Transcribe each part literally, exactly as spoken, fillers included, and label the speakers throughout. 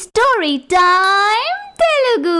Speaker 1: Story time Telugu.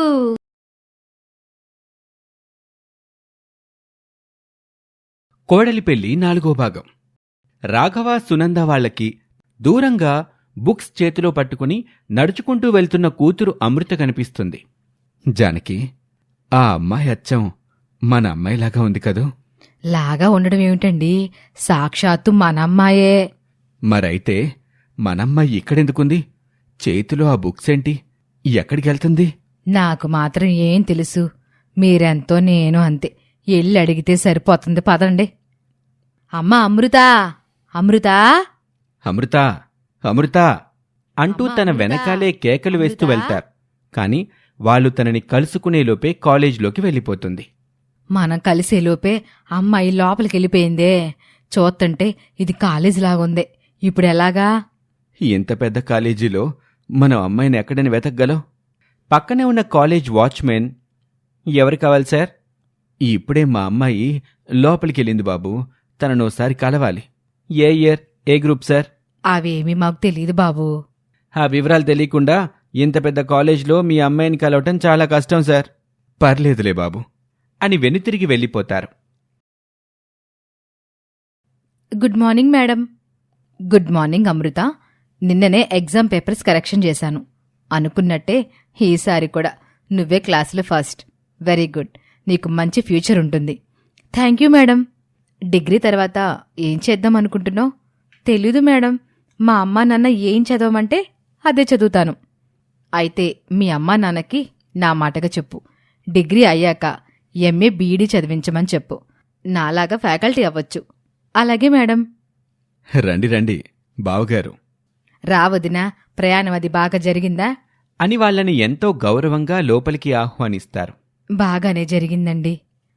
Speaker 2: కోడలి పెళ్లి నాలుగో భాగం. రాఘవ సునంద వాళ్లకి దూరంగా బుక్స్ చేతిలో పట్టుకుని నడుచుకుంటూ వెళ్తున్న కూతురు అమృత కనిపిస్తుంది. జానకి, ఆ అమ్మాయి అచ్చం మన అమ్మాయిలాగా ఉంది కదూ.
Speaker 3: లాగా ఉండడం ఏమిటండి, సాక్షాత్తు మనమ్మాయే.
Speaker 2: మరైతే మనమ్మాయి ఇక్కడెందుకుంది? చేతిలో ఆ బుక్స్ ఏంటి? ఎక్కడికెళ్తుంది?
Speaker 3: నాకు మాత్రం ఏం తెలుసు, మీరెంతో నేను అంతే. ఎల్లి అడిగితే సరిపోతుంది, పదండి. అమ్మా అమృత, అమృత,
Speaker 2: అమృత, అమృత అంటూ తన వెనకాలే కేకలు వేస్తూ వెళ్తారు. కాని వాళ్ళు తనని కలుసుకునేలోపే కాలేజ్లోకి వెళ్ళిపోతుంది.
Speaker 3: మనం కలిసేలోపే అమ్మాయి లోపలికెళ్ళిపోయిందే. చూస్తుంటే ఇది కాలేజీలాగుంది. ఇప్పుడెలాగా?
Speaker 2: ఇంత పెద్ద కాలేజీలో మనం అమ్మాయిని ఎక్కడని వెతకగలం? పక్కనే ఉన్న కాలేజ్ వాచ్మెన్, ఎవరు కావాలి సార్? ఇప్పుడే మా అమ్మాయి లోపలికెళ్ళింది బాబు, తననోసారి కలవాలి. ఏ ఇయర్, ఏ గ్రూప్ సార్?
Speaker 3: అవేమీ మాకు తెలీదు బాబూ.
Speaker 2: ఆ వివరాలు తెలియకుండా ఇంత పెద్ద కాలేజ్లో మీ అమ్మాయిని కలవటం చాలా కష్టం సార్. పర్లేదులే బాబు అని వెనుతిరిగి వెళ్ళిపోతారు.
Speaker 3: Good morning madam. Good morning Amrita. నిన్ననే ఎగ్జామ్ పేపర్స్ కరెక్షన్ చేశాను. అనుకున్నట్టే ఈసారి కూడా నువ్వే క్లాసులో ఫస్ట్. వెరీ గుడ్, నీకు మంచి ఫ్యూచర్ ఉంటుంది. Thank you madam. డిగ్రీ తర్వాత ఏం చేద్దాం అనుకుంటున్నావు? తెలీదు మేడం. మా అమ్మా నాన్న ఏం చదవమంటే అదే చదువుతాను. అయితే మీ అమ్మా నాన్నకి నా మాటగా చెప్పు, డిగ్రీ అయ్యాక ఎంఏ బీఈడీ చదివించమని చెప్పు. నాలాగా ఫ్యాకల్టీ అవ్వచ్చు. అలాగే మేడం.
Speaker 2: రండి రండి బావగారు.
Speaker 3: రావదినా, ప్రయాణం అది బాగా జరిగిందా?
Speaker 2: అని వాళ్ళని ఎంతో గౌరవంగా లోపలికి ఆహ్వానిస్తారు.
Speaker 3: బాగానే జరిగిందండి.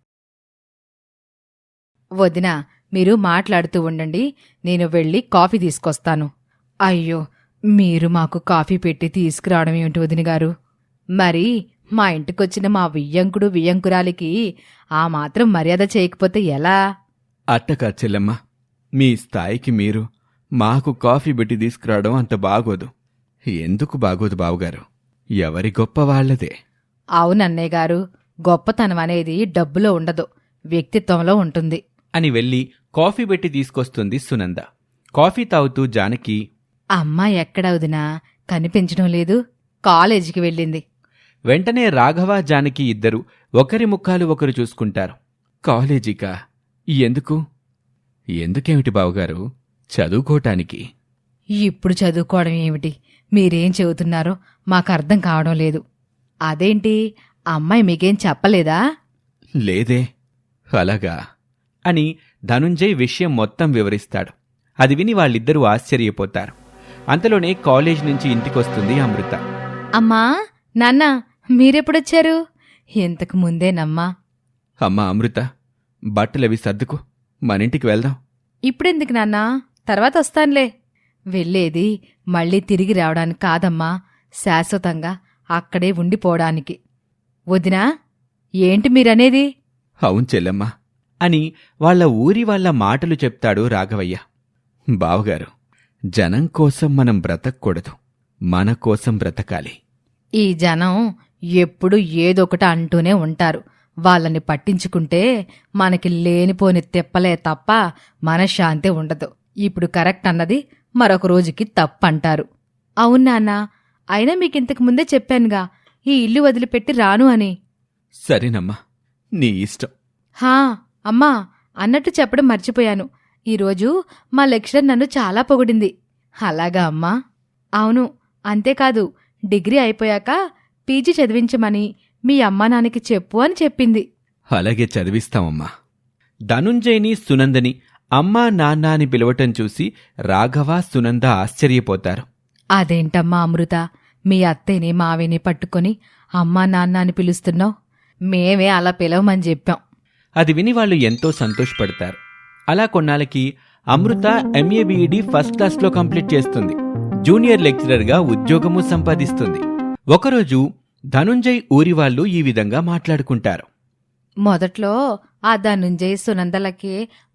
Speaker 3: వదినా, మీరు మాట్లాడుతూ ఉండండి, నేను వెళ్ళి కాఫీ తీసుకొస్తాను. అయ్యో, మీరు మాకు కాఫీ పెట్టి తీసుకురావడం ఏమిటి వదిన గారు? మరి మా ఇంటికొచ్చిన మా వియ్యంకుడు వియ్యంకురాలికి ఆ మాత్రం మర్యాద చేయకపోతే ఎలా?
Speaker 2: అట్టకా చెల్లెమ్మ, మీ స్థాయికి మీరు మాకు కాఫీ పెట్టి తీసుకురావడం అంత బాగోదు. ఎందుకు బాగోదు బావుగారు? ఎవరి గొప్ప వాళ్లదే.
Speaker 3: అవునన్నయ్య గారు, గొప్పతనం అనేది డబ్బులో ఉండదు, వ్యక్తిత్వంలో ఉంటుంది.
Speaker 2: అని వెళ్ళి కాఫీ పెట్టి తీసుకొస్తుంది సునంద. కాఫీ తాగుతూ జానకి,
Speaker 3: అమ్మా ఎక్కడ వదినా, కనిపించడం లేదు, కాలేజీకి వెళ్ళింది.
Speaker 2: వెంటనే రాఘవ జానకి ఇద్దరు ఒకరి ముఖాలు ఒకరు చూసుకుంటారు. కాలేజీకా? ఎందుకు? ఎందుకేమిటి బావుగారు? చదువుకోటానికి.
Speaker 3: ఇప్పుడు చదువుకోవడం ఏమిటి? మీరేం చెబుతున్నారో మాకు అర్థం కావడం లేదు. అదేంటి, అమ్మాయి మీకేం చెప్పలేదా?
Speaker 2: లేదే. అలాగా అని ధనుంజయ్ విషయం మొత్తం వివరిస్తాడు. అది విని వాళ్ళిద్దరూ ఆశ్చర్యపోతారు. అంతలోనే కాలేజ్ నుంచి ఇంటికొస్తుంది అమృత.
Speaker 3: అమ్మా, నాన్న, మీరెప్పుడొచ్చారు? ఇంతకు ముందేనమ్మా.
Speaker 2: అమ్మా అమృత, బట్టలవి సర్దుకు, మనింటికి వెళ్దాం.
Speaker 3: ఇప్పుడెందుకు నాన్నా, తర్వాత వస్తానులే. వెళ్ళేది మళ్ళీ తిరిగి రావడానికి కాదమ్మా, శాశ్వతంగా అక్కడే ఉండిపోవడానికి. వదినా, ఏంటి మీరనేది?
Speaker 2: అవును చెల్లెమ్మా అని వాళ్ల ఊరి వాళ్ల మాటలు చెప్తాడు రాఘవయ్య. బావగారు, జనం కోసం మనం బ్రతకూడదు, మన కోసం బ్రతకాలి.
Speaker 3: ఈ జనం ఎప్పుడు ఏదొకటి అంటూనే ఉంటారు. వాళ్ళని పట్టించుకుంటే మనకి లేనిపోని తెప్పలే తప్ప మనశ్శాంతి ఉండదు. ఇప్పుడు కరెక్ట్ అన్నది మరొక రోజుకి తప్పంటారు. అవునాన్నా, అయినా మీకింతకు ముందే చెప్పానుగా, ఈ ఇల్లు వదిలిపెట్టి రాను అని.
Speaker 2: సరేనమ్మా, నీ ఇష్టం.
Speaker 3: హా అమ్మా, అన్నట్టు చెప్పడం మర్చిపోయాను. ఈరోజు మా లెక్చరర్ నన్ను చాలా పొగిడింది. అలాగా అమ్మా? అవును. అంతేకాదు, డిగ్రీ అయిపోయాక పీజీ చదివించమని మీ అమ్మా నాన్నకి చెప్పు అని చెప్పింది.
Speaker 2: అలాగే చదివిస్తామమ్మా. ధనుంజయ్ని సునందని అమ్మా నాన్న అని పిలవటం చూసి రాఘవ సునంద ఆశ్చర్యపోతారు.
Speaker 3: అదేంటమ్మా అమృత, మీ అత్తయ్యని మావిని పట్టుకొని అమ్మా నాన్న అని పిలుస్తున్నావు? మేమే అలా పిలవమని చెప్పాం.
Speaker 2: అది విని వాళ్ళు ఎంతో సంతోషపడతారు. అలా కొన్నాళ్ళకి అమృత ఎంఏ బీఈడీ ఫస్ట్ క్లాస్లో కంప్లీట్ చేస్తుంది. జూనియర్ లెక్చరర్గా ఉద్యోగము సంపాదిస్తుంది. ఒకరోజు ధనుంజయ్ ఊరివాళ్లు ఈ విధంగా మాట్లాడుకుంటారు.
Speaker 3: మొదట్లో ఆ ధనుంజయ్ సునందలకి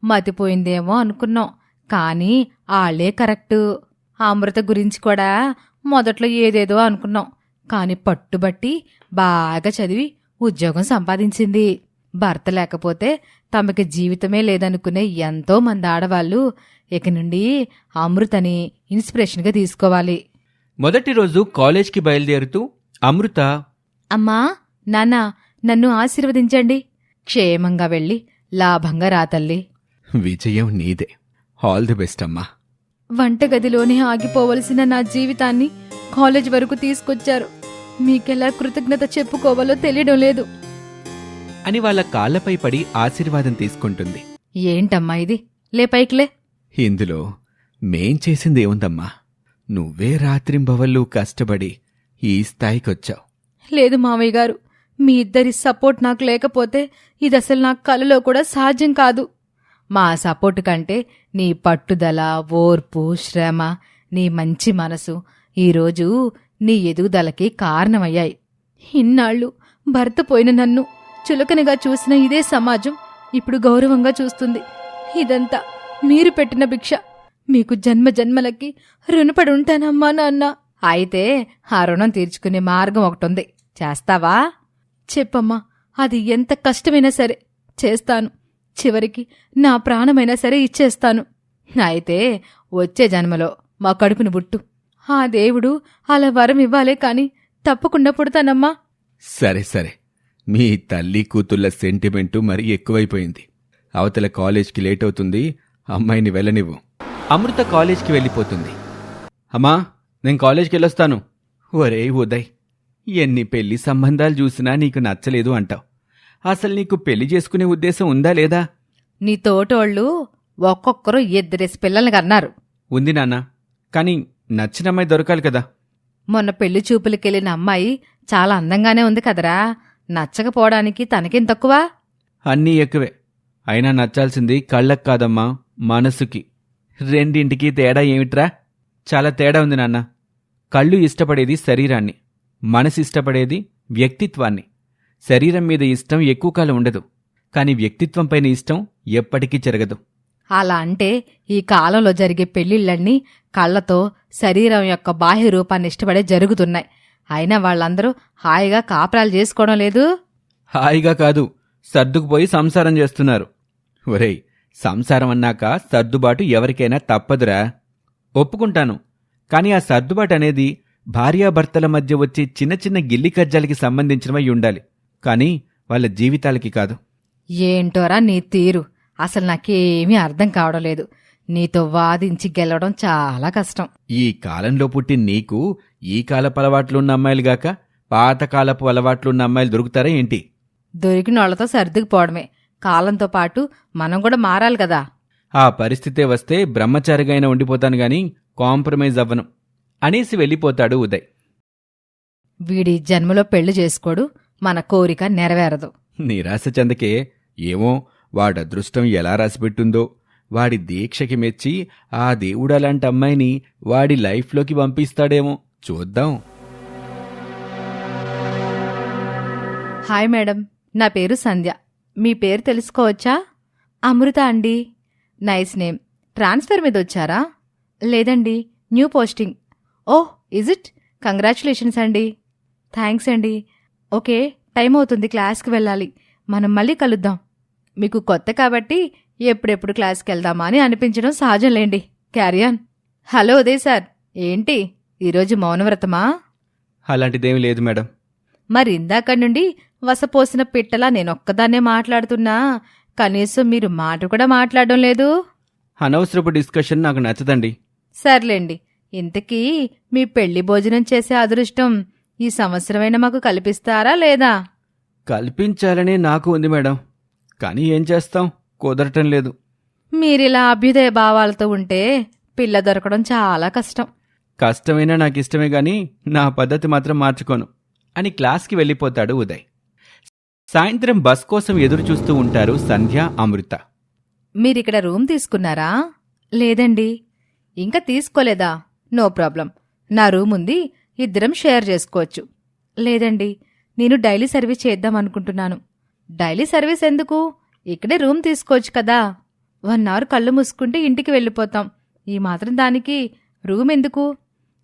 Speaker 3: మతిపోయిందేమో అనుకున్నాం, కానీ ఆళ్లే కరెక్టు. అమృత గురించి కూడా మొదట్లో ఏదేదో అనుకున్నాం, కాని పట్టుబట్టి బాగా చదివి ఉద్యోగం సంపాదించింది. భర్త లేకపోతే తమకి జీవితమే లేదనుకునే ఎంతో మంది ఆడవాళ్లు ఇక నుండి అమృతని ఇన్స్పిరేషన్గా తీసుకోవాలి.
Speaker 2: మొదటి రోజు కాలేజ్కి బయలుదేరుతూ అమృత,
Speaker 3: అమ్మా, నాన్న, నన్ను ఆశీర్వదించండి. క్షేమంగా వెళ్ళి లాభంగా రాతల్లి.
Speaker 2: విజయం నీదే. ఆల్ ది బెస్ట్ అమ్మా.
Speaker 3: వంటగదిలోనే ఆగిపోవలసిన నా జీవితాన్ని కాలేజ్ వరకు తీసుకొచ్చారు. మీకెలా కృతజ్ఞత చెప్పుకోవాలో తెలియడం లేదు
Speaker 2: అని వాళ్ళ కాళ్లపై పడి ఆశీర్వాదం తీసుకుంటుంది.
Speaker 3: ఏంటమ్మా ఇది? లే పైకిలే.
Speaker 2: ఇందులో మేం చేసిందేముందమ్మా? నువ్వే రాత్రింబవళ్ళు కష్టపడి ఈ స్థాయికొచ్చావు.
Speaker 3: లేదు మావయ్య గారు, మీ ఇద్దరి సపోర్ట్ నాకు లేకపోతే ఇదసలు నా కలలో కూడా సాధ్యం కాదు. మా సపోర్టు కంటే నీ పట్టుదల, ఓర్పు, శ్రమ, నీ మంచి మనసు ఈరోజు నీ ఎదుగుదలకి కారణమయ్యాయి. ఇన్నాళ్ళు భర్త పోయిన నన్ను చులకనగా చూసిన ఇదే సమాజం ఇప్పుడు గౌరవంగా చూస్తుంది. ఇదంతా మీరు పెట్టిన భిక్ష. మీకు జన్మ జన్మలకి రుణపడి ఉంటానమ్మా నాన్న. అయితే ఆ రుణం తీర్చుకునే మార్గం ఒకటుంది, చేస్తావా? చెప్పమ్మా, అది ఎంత కష్టమైనా సరే చేస్తాను. చివరికి నా ప్రాణమైనా సరే ఇచ్చేస్తాను. అయితే వచ్చే జన్మలో మా కడుపును బుట్టు. ఆ దేవుడు అలా వరం ఇవ్వాలే కాని తప్పకుండా పుడతానమ్మా.
Speaker 2: సరే సరే, మీ తల్లి కూతుళ్ళ సెంటిమెంటు మరీ ఎక్కువైపోయింది. అవతల కాలేజ్కి లేట్ అవుతుంది, అమ్మాయిని వెళ్ళనివ్వు. అమృత కాలేజ్కి వెళ్ళిపోతుంది. అమ్మా, నేను కాలేజ్కి వెళ్ళొస్తాను. ఒరే ఉదయ్, ఎన్ని పెళ్లి సంబంధాలు చూసినా నీకు నచ్చలేదు అంటావు. అసలు నీకు పెళ్లి చేసుకునే ఉద్దేశం ఉందా లేదా?
Speaker 3: నీ తోటోళ్ళు ఒక్కొక్కరు ఇద్దరేసి పిల్లల్ని కన్నారు.
Speaker 2: ఉంది నాన్న, కానీ నచ్చిన అమ్మాయి దొరకాలి కదా.
Speaker 3: మొన్న పెళ్లి చూపులకెళ్ళిన అమ్మాయి చాలా అందంగానే ఉంది కదరా. నచ్చకపోవడానికి తనకేం తక్కువ?
Speaker 2: అన్నీ ఎక్కువే. అయినా నచ్చాల్సింది కళ్ళకు కాదమ్మా, మనసుకి. రెండింటికి తేడా ఏమిట్రా? చాలా తేడా ఉంది నాన్న. కళ్ళు ఇష్టపడేది శరీరాన్ని, మనసు ఇష్టపడేది వ్యక్తిత్వాన్ని. శరీరం మీద ఇష్టం ఎక్కువ కాలం ఉండదు, కాని వ్యక్తిత్వంపైన ఇష్టం ఎప్పటికీ జరగదు.
Speaker 3: అలా అంటే ఈ కాలంలో జరిగే పెళ్లిళ్లన్నీ కళ్లతో శరీరం యొక్క బాహ్య రూపాన్ని ఇష్టపడే జరుగుతున్నాయి. అయినా వాళ్ళందరూ హాయిగా కాపురాలు చేసుకోవడం లేదు.
Speaker 2: హాయిగా కాదు, సర్దుకుపోయి సంసారం చేస్తున్నారు. ఒరేయ్, సంసారం అన్నాక సర్దుబాటు ఎవరికైనా తప్పదురా. ఒప్పుకుంటాను, కాని ఆ సర్దుబాటు అనేది భార్యాభర్తల మధ్య వచ్చే చిన్న చిన్న గిల్లి కజ్జాలకి సంబంధించినవై ఉండాలి, కాని వాళ్ళ జీవితాలకి కాదు.
Speaker 3: ఏంటోరా నీ తీరు, అసలు నాకేమీ అర్థం కావడం లేదు. నీతో వాదించి గెలవడం చాలా కష్టం.
Speaker 2: ఈ కాలంలో పుట్టి నీకు ఈ కాలపు అలవాట్లున్న అమ్మాయిలుగాక పాతకాలపు అలవాట్లున్న అమ్మాయిలు దొరుకుతారా ఏంటి?
Speaker 3: దొరికిన వాళ్లతో సర్దుకుపోవడమే. కాలంతో పాటు మనం కూడా మారాలి కదా.
Speaker 2: ఆ పరిస్థితే వస్తే బ్రహ్మచారిగా అయినా ఉండిపోతాను గాని కాంప్రమైజ్ అవ్వను అనేసి వెళ్ళిపోతాడు ఉదయ్.
Speaker 3: వీడి జన్మలో పెళ్లి చేసుకోడు, మన కోరిక నెరవేరదు.
Speaker 2: నిరాశ చెందకే. ఏమో వాడదృష్టం ఎలా రాసిపెట్టుందో. వాడి దీక్షకి మెచ్చి ఆ దేవుడలాంటి అమ్మాయిని వాడి లైఫ్లోకి పంపిస్తాడేమో, చూద్దాం.
Speaker 3: హాయ్ మేడం, నా పేరు సంధ్య. మీ పేరు తెలుసుకోవచ్చా? అమృత అండి. Nice name. ట్రాన్స్ఫర్ మీద వచ్చారా? లేదండి, new posting. Oh, is it? Congratulations అండి. థ్యాంక్స్ అండి. ఓకే, టైం అవుతుంది, క్లాస్కి వెళ్ళాలి. మనం మళ్ళీ కలుద్దాం. మీకు కొత్త కాబట్టి ఎప్పుడెప్పుడు క్లాస్కి వెళ్దామా అని అనిపించడం సహజంలేండి. క్యారియాన్. హలో ఉదయ్ సార్, ఏంటి ఈరోజు మౌనవ్రతమా?
Speaker 2: అలాంటిదేమీ లేదు మేడం.
Speaker 3: మరి ఇందాక నుండి వసపోసిన పిట్టలా నేనొక్కదాన్నే మాట్లాడుతున్నా, కనీసం మీరు మాట కూడా మాట్లాడడం లేదు.
Speaker 2: అనవసరపు డిస్కషన్ నాకు నచ్చదండి.
Speaker 3: సర్లేండి, ఇంతకీ మీ పెళ్లి భోజనం చేసే అదృష్టం ఈ సంవత్సరమైనా మాకు కల్పిస్తారా లేదా?
Speaker 2: కల్పించాలనే నాకు ఉంది మేడం, కానీ ఏం చేస్తాం, కుదరటం లేదు.
Speaker 3: మీరిలా అభ్యుదయ భావాలతో ఉంటే పిల్ల దొరకడం చాలా కష్టం.
Speaker 2: కష్టమైనా నాకిష్టమే గాని నా పద్ధతి మాత్రం మార్చుకోను అని క్లాస్కి వెళ్ళిపోతాడు ఉదయ్. సాయంత్రం బస్ కోసం ఎదురుచూస్తూ ఉంటారు సంధ్య, అమృత.
Speaker 3: మీరిక్కడ రూమ్ తీసుకున్నారా? లేదండి. ఇంకా తీసుకోలేదా? నో ప్రాబ్లం, నా రూమ్ ఉంది, ఇద్దరం షేర్ చేసుకోవచ్చు. లేదండి, నేను డైలీ సర్వీస్ చేద్దామనుకుంటున్నాను. డైలీ సర్వీస్ ఎందుకు? ఇక్కడే రూమ్ తీసుకోవచ్చు కదా. వన్ అవర్ కళ్ళు మూసుకుంటే ఇంటికి వెళ్ళిపోతాం. ఈ మాత్రం దానికి రూమ్ ఎందుకు?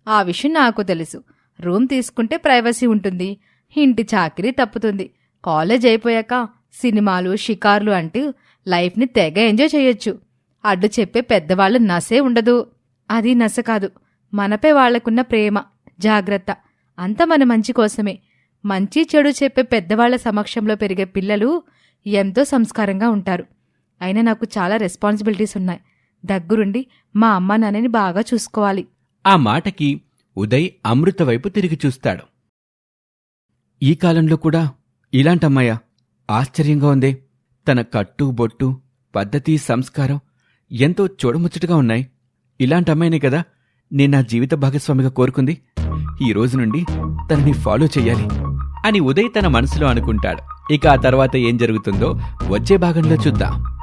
Speaker 3: ఆ విషయం నాకు తెలుసు. రూమ్ తీసుకుంటే ప్రైవసీ ఉంటుంది, ఇంటి చాకిరీ తప్పుతుంది. కాలేజ్ అయిపోయాక సినిమాలు షికార్లు అంటూ లైఫ్ని తెగ ఎంజాయ్ చేయొచ్చు. అడ్డు చెప్పే పెద్దవాళ్ళు నసే ఉండదు. అది నస కాదు, మనపై వాళ్లకున్న ప్రేమ, జాగ్రత్త అంతా మన మంచి కోసమే. మంచి చెడు చెప్పే పెద్దవాళ్ల సమక్షంలో పెరిగే పిల్లలు ఎంతో సంస్కారంగా ఉంటారు. అయినా నాకు చాలా రెస్పాన్సిబిలిటీస్ ఉన్నాయి. దగ్గరుండి మా అమ్మ నాన్నని బాగా చూసుకోవాలి.
Speaker 2: ఆ మాటకి ఉదయ్ అమృత వైపు తిరిగి చూస్తాడు. ఈ కాలంలో కూడా ఇలాంటమ్మాయ ఆశ్చర్యంగా ఉందే. తన కట్టు బొట్టు, పద్ధతి, సంస్కారం ఎంతో చూడముచ్చటగా ఉన్నాయి. ఇలాంటమ్మాయినే కదా నేను నా జీవిత భాగస్వామిగా కోరుకుంది. ఈ రోజు నుండి తనని ఫాలో చెయ్యాలి అని ఉదయ్ తన మనసులో అనుకుంటాడు. ఇక ఆ తర్వాత ఏం జరుగుతుందో వచ్చే భాగంలో చూద్దాం.